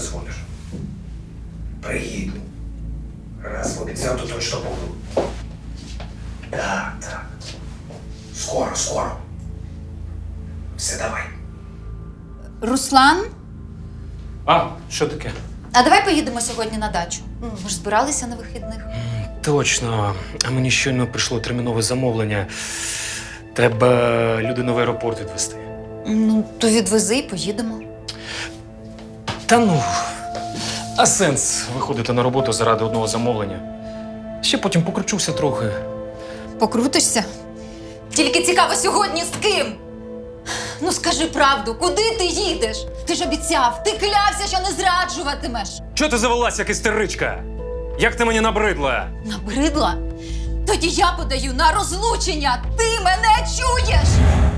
дзвониш? Приїду. Раз пообіцяв, то точно буду. Так, так. Скоро, скоро. Все, давай. Руслан, А, що таке? а давай поїдемо сьогодні на дачу. Ми ж збиралися на вихідних. Точно. А мені щойно прийшло термінове замовлення. Треба людину в аеропорт відвезти. Ну, то відвези і поїдемо. Та ну, а сенс виходити на роботу заради одного замовлення? Ще потім покручуся трохи. Покрутишся? Тільки цікаво сьогодні з ким? Ну скажи правду, куди ти їдеш? Ти ж обіцяв, ти клявся, що не зраджуватимеш. Чого ти завелась, як істеричка? Як ти мені набридла? Набридла? Тоді я подаю на розлучення. Ти мене чуєш?